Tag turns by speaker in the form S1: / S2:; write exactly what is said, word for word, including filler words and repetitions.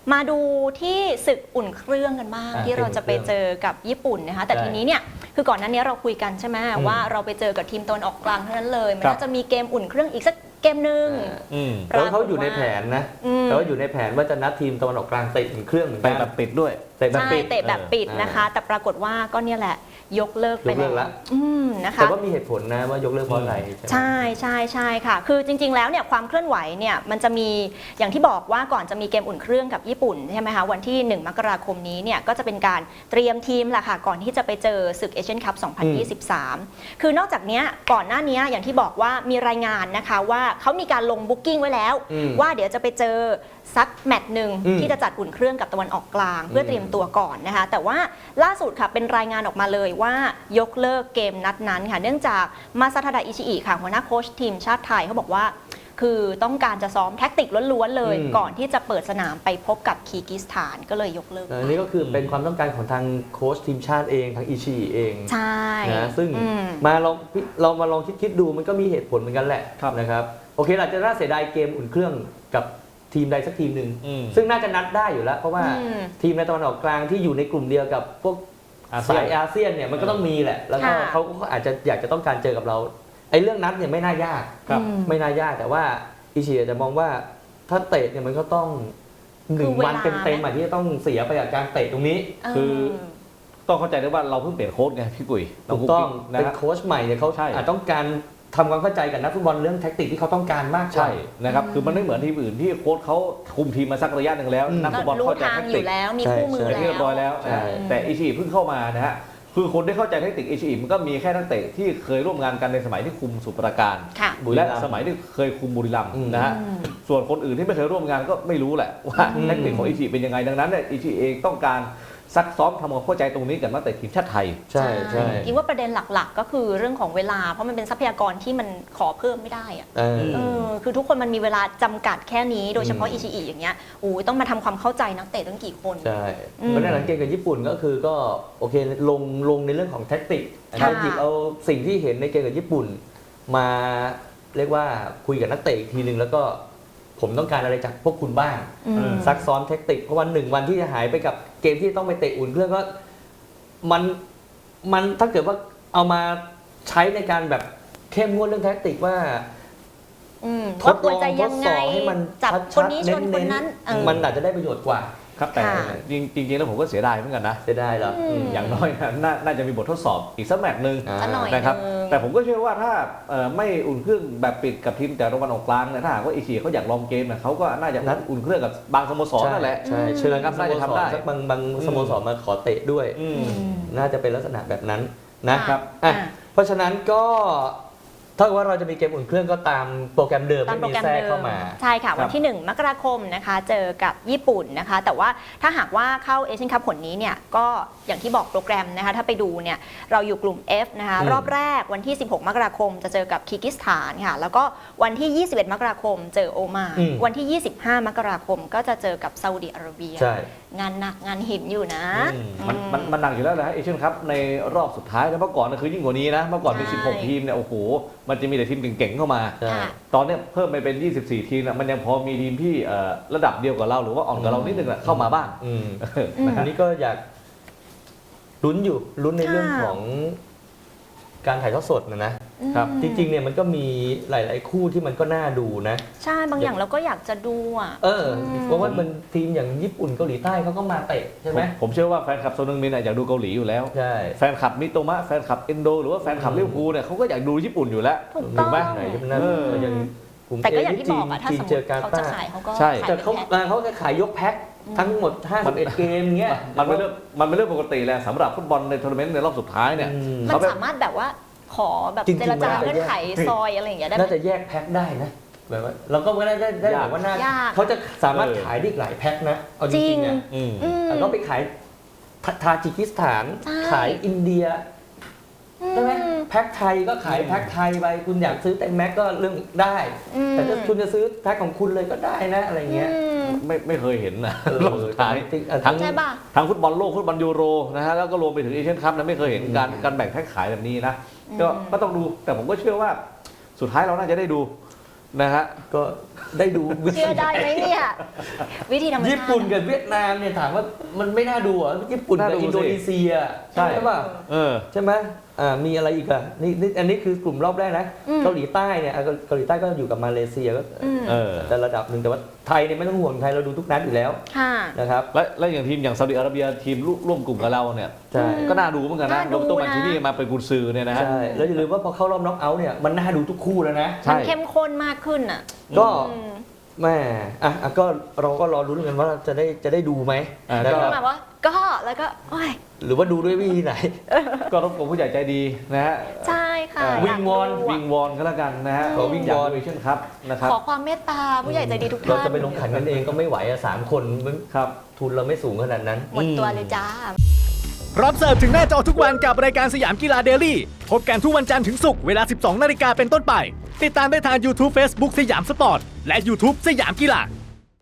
S1: มาดูที่ศึกอุ่นเครื่องกันบ้างที่เราจะไปเจอกับญี่ปุ่นนะคะแต่ทีนี้เนี่ยคือก่อนหน้านี้เราคุยกันใช่ไหมว่าเราไปเจอกับทีมตะวันออกกลางเท่านั้นเลยมันน่าจะมีเกมอุ่นเครื่องอีกสักเกมหนึ่ง
S2: แล้วเขาอยู่ในแผนนะแต่ว่าอยู่ในแผนว่าจะนัดทีมตะวันออกกลางเตะอุ่นเครื่องเหมือนกัน
S3: แบบปิดด้วย
S1: เตะแบบปิดเตะแบบปิดนะคะแต่ปรากฏว่าก็เนี่ยแหละยกเลิกไปแล้วนะคะ
S2: แต่ว่ามีเหตุผลนะว่ายกเลิกเพราะอะไร
S1: ใช่ใช่ใช่ค่ะคือจริงๆแล้วเนี่ยความเคลื่อนไหวเนี่ยมันจะมีอย่างที่บอกว่าก่อนจะมีเกมอุ่นเครื่องกับญี่ปุ่นใช่ไหมคะวันที่หนึ่งมกราคมนี้เนี่ยก็จะเป็นการเตรียมทีมแหละค่ะก่อนที่จะไปเจอศึกเอเชียนคัพสองพันยี่สิบสามคือนอกจากนี้ก่อนหน้านี้อย่างที่บอกว่ามีรายงานนะคะว่าเขามีการลงบุ๊กิ้งไว้แล้วว่าเดี๋ยวจะไปเจอสักแมตช์หนึ่งที่จะจัดอุ่นเครื่องกับตะวันออกกลางเพื่อเตรียมตัวก่อนนะคะแต่ว่าล่าสุดค่ะเป็นรายงานออกมาเลยว่ายกเลิกเกมนัดนั้นค่ะเนื่องจากมาซาทาดะอิชิอิค่ะหัวหน้าโค้ชทีมชาติไทยเขาบอกว่าคือต้องการจะซ้อมแท็กติกล้วนๆเลยก่อนที่จะเปิดสนามไปพบกับคีร์กิสถานก็เลยยกเลิก
S2: อันนี้ก็คือเป็นความต้องการของทางโค้ชทีมชาติเองทางอิชิอิเอง
S1: ใช่
S2: นะซึ่งมาลองเรามาลองคิดๆดูมันก็มีเหตุผลเหมือนกันแหละนะครับโอเคอาจจะน่าเสียดายเกมอุ่นเครื่องกับทีมใดสักทีมหนึ่งซึ่งน่าจะนัดได้อยู่แล้วเพราะว่าทีมในตะวันออกกลางที่อยู่ในกลุ่มเดียวกับพวกสายอาเซียนเนี่ยมันก็ต้องมีแหละแล้วก็เขาก็อาจจะอยากจะต้องการเจอกับเราไอ้เรื่องนัดเนี่ยไม่น่ายากไม่น่ายากแต่ว่าอิชิจะมองว่าถ้าเตะเนี่ยมันก็ต้องหนึ่งวันเต็มๆที่จะต้องเสียไปกับการเตะตรงนี้
S3: คือต้องเข้าใจด้วยว่าเราเพิ่งเปลี่ยนโค้ชไงพี่กุ้ย
S2: ถูกต้องเป็นโค้ชใหม่เนี่ยเขาอาจต้องการทำความเข้าใจกับนักฟุตบอลเรื่องแท็กติกที่เขาต้องการมาก
S3: ใช่นะครับคือมันไม่เหมือนทีมอื่นที่โค้ชเขาคุมทีมมาสักระยะหนึ่งแล้วนักฟุตบอลเข้าใจแท็กติก
S1: แล้วมีคู่มือแล้ว
S3: เรียบร้อยแล้วแต่อิชิเพิ่งเข้ามานะฮะคือคนที่เข้าใจแท็กติกอิชิมันก็มีแค่นักเตะที่เคยร่วมงานกันในสมัยที่คุมสุปราการและสมัยที่เคยคุมบุรีรัมย์นะฮะส่วนคนอื่นที่ไม่เคยร่วมงานก็ไม่รู้แหละว่าแท็กติกของอิชิเป็นยังไงดังนั้นเนี่ยอิชิเองต้องการซักซ้อมทำความเข้าใจตรงนี้กับนักเตะทีมชาติไทย
S2: ใช่ใช่
S1: คิดว่าประเด็นหลักๆก็คือเรื่องของเวลาเพราะมันเป็นทรัพยากรที่มันขอเพิ่มไม่ได้อะเออคือทุกคนมันมีเวลาจำกัดแค่นี้โดยเฉพาะอิชิอิอย่างเงี้ยโอ้ยต้องมาทำความเข้าใจนักเตะตั้งกี่คน
S2: ใช่เพราะในหลังเกมกับญี่ปุ่นก็คือก็โอเคลงลงในเรื่องของแท็กติกเอาหยิบเอาสิ่งที่เห็นในเกมกับญี่ปุ่นมาเรียกว่าคุยกับนักเตะอีกทีนึงแล้วก็ผมต้องการอะไรจากพวกคุณบ้างซักซ้อมเทคนิคเพราะวันหนึ่งวันที่จะหายไปกับเกมที่ต้องไปเตะอุ่นเครื่องก็มันมันถ้าเกิดว่าเอามาใช้ในการแบบเข้มงวดเรื่องแทคนิคว่า
S1: ทดลองทดสอบให้มันชัดๆเน้นๆ
S2: มันอาจจะได้ประโยชน์กว่า
S3: ครับแต่จริงๆแล้วผมก็เสียดายเหมือนกันนะ
S2: เสียดายเหรอ
S3: อย่างน้อยน่าจะมีบททดสอบอีกสักแมตช์หนึ่งนะครับแต่ผมก็เชื่อว่าถ้าไม่อุ่นเครื่องแบบปิดกับทีมแต่ตะวันออกกลางเนี่ยถ้าหากว่าอิชิเขาอยากลองเกมเนี่ยเขาก็น่าจะนัดอุ่นเครื่องกับบางสโมสรนั่นแหละ
S2: ใช่เชิญครับน่าจะทำได้สักบางบางสโมสรมาขอเตะด้วยน่าจะเป็นลักษณะแบบนั้นนะครับเพราะฉะนั้นก็ถ้าว่าเราจะมีเกมอุ่นเครื่องก็ตามโปรแกรมเดิมไม่มีแทรกเข้ามา
S1: ใช่ค่ะวันที่หนึ่งมกราคมนะคะเจอกับญี่ปุ่นนะคะแต่ว่าถ้าหากว่าเข้าเอเชียนคัพผลนี้เนี่ยก็อย่างที่บอกโปรแกรมนะคะถ้าไปดูเนี่ยเราอยู่กลุ่ม F นะคะรอบแรกวันที่สิบหกมกราคมจะเจอกับคีร์กิสถานค่ะแล้วก็วันที่ยี่สิบเอ็ดมกราคมเจอโอมานวันที่ยี่สิบห้ามกราคมก็จะเจอกับซาอุดิอาระเบียงานหนักงานหินอยู่นะ
S3: มันมันมันหนักอยู่แล้วนะเอเชียนคัพในรอบสุดท้ายแล้วเมื่อก่อนคือยิ่งกว่านี้นะเมื่อก่อนมีสิบหกทีมเนี่ยโอ้โหมันจะมีแต่ทีมเก่งๆเข้ามาตอนนี้เพิ่มไปเป็นยี่สิบสี่ทีมมันยังพอมีทีมที่ระดับเดียวกับเราหรือว่าอ่อนกว่าเรานิดนึงเข้ามาบ้าง
S2: อันนี้ก็อยากลุ้นอยู่ลุ้นในเรื่องของการถ่ายทอดสดนะนะครับจริงๆเนี่ยมันก็มีหลายๆคู่ที่มันก็น่าดูนะ
S1: ใช่บางอย่างเราก็อยากจะดูอ่ะ
S2: เออเพราะว่ามันทีมอย่างญี่ปุ่นเกาหลีใต้เขาก็มาเตะใช่ไหม
S3: ผมเชื่อว่าแฟนคลับโซนึงมินอยากดูเกาหลีอยู่แล้ว
S2: ใช่
S3: แฟนคลับมิโตมะแฟนคลับเอนโดหรือว่าแฟนคลับลิเวอร์พูลเนี่ยเขาก็อยากดูญี่ปุ่นอยู่แล้ว
S1: ถูกไหม
S2: ไหนนั้นยัง
S1: แต่ก็อย่างที่บอกอะถ้าสมมติเขาจะขายเขาก็
S2: ใช่แต่เขาเขาจะขายยกแพ็คทั้งหมดห้าสิบเอ็ดเกมเงี้ย
S3: มันเป็นเรื่องมันเป็นเรื่องปกติแหละสำหรับฟุตบอลในทัวร์นาเมนต์ในรอบสุดท้ายเนี่ย
S1: มันสามารถแบบว่าขอแบบเจรจาเงื่อนไขซอยอะไรอย่างเงี้ยได้
S2: น่าจะแยกแพ็คได้นะแบบว่าเราก็ไม่ได้ได้แบบว่าน่าเขาจะสามารถขายได้หลายแพ็คนะเอาจริงๆเนี่ยเราไปขายทาจิกิสถานขายอินเดียใช่ไหมแพ็คไทยก็ขายแพ็คไทยไปคุณอยากซื้อแตงแม็กก็เรื่องได้แต่ถ้าคุณจะซื้อแพ็คของคุณเลยก็ได้นะอะไรเงี้ย
S3: ไม่ไม่เคยเห็นนะรอบสุดท้ายทั้งทั้งฟุตบอลโลกฟุตบอลยูโรนะฮะแล้วก็รวมไปถึงเอเชียนคัพนะไม่เคยเห็นการการแบ่งแพ็คขายแบบนี้นะก็ก็ต้องดูแต่ผมก็เชื่อว่าสุดท้ายเราน่าจะได้ดูนะฮะ
S2: ก็ได้ดูวิธี
S1: เชื่อได้ไหมเนี่ยวิธีธรรมชาติ
S2: ญี่ปุ่นกับเวียดนามเนี่ยถามว่ามันไม่น่าดูเหรอญี่ปุ่นกับ
S3: น่าดูสิ
S2: อินโดนีเซีย
S3: ใช่
S2: ใช่ป่ะ
S3: เออ
S2: ใช่ไหมอ่ามีอะไรอีกอ่ะนี่นี่อันนี้คือกลุ่มรอบแรกนะ
S1: อืม
S2: เกาหลีใต้เนี่ยอ่ะเกาหลีใต้ก็อยู่กับมาเลเซียก็
S1: อืม
S3: เออ
S2: แต่ระดับหนึ่งแต่ว่าไทยเนี่ยไม่ต้องห่วงไทยเราดูทุกนัดอยู่แล้ว
S1: ค่ะ
S2: นะครับ
S3: และและอย่างทีมอย่างซาอุดิอาระเบียทีมร่วมกลุ่มกับเราเนี่ย
S2: ใช่
S3: ก็น่าดูเหมือนกันนะ
S1: น่าดู
S3: โรเบร์โต
S1: นะ
S3: มันชินี่มาเป็นกุนซือเนี่ยนะฮะ
S2: ใช่แล้วอย่าลืมว่าพอเข้ารอบน็อกเอาท์เนี่ยมันน่าดูทุกคู่แล้วนะ
S3: ใช่
S1: มันเข้มข้นมากขึ้นอ่ะ
S2: ก็
S1: อืม
S2: แม่อ่ะอ่ะก็เราก็รอรุ้นกันว่าจะได้จะได้ดูไหม
S3: อ่า
S2: นะ
S1: ก็
S2: ครับ
S1: แบบว่าก็แล้วก็โอ้ย
S2: หรือว่าดูด้วยวิธีไหน
S3: ก็รบกวนผู้ใหญ่ใจดีนะฮะ
S1: ใช่ค่ะ
S3: เอ่อ
S1: อยาก
S2: วิงวอน
S1: ดู
S3: วิ
S1: อะ
S3: งวอนก็แล้วกันนะฮะ
S2: ขอวิงวอน
S3: เอเชียนครับนะครับ
S1: ขอความเมตตาผู้ใหญ่ใจดีทุก
S2: เรา
S1: ท่าน
S2: จะไปลงขันกันเองก็ไม่ไหวอะสามคนมัน
S3: ครับ
S2: ทุนเราไม่สูงขนาดนั้น
S1: หมดตัวเลยจ้า
S4: พร้อมเสิร์ฟถึงหน้าจอทุกวันกับรายการสยามกีฬาเดลี่พบกันทุกวันจันทร์ถึงศุกร์เวลา สิบสองนาฬิกาเป็นต้นไป ติดตามได้ทาง YouTube Facebook สยามสปอร์ต และ YouTube สยามกีฬา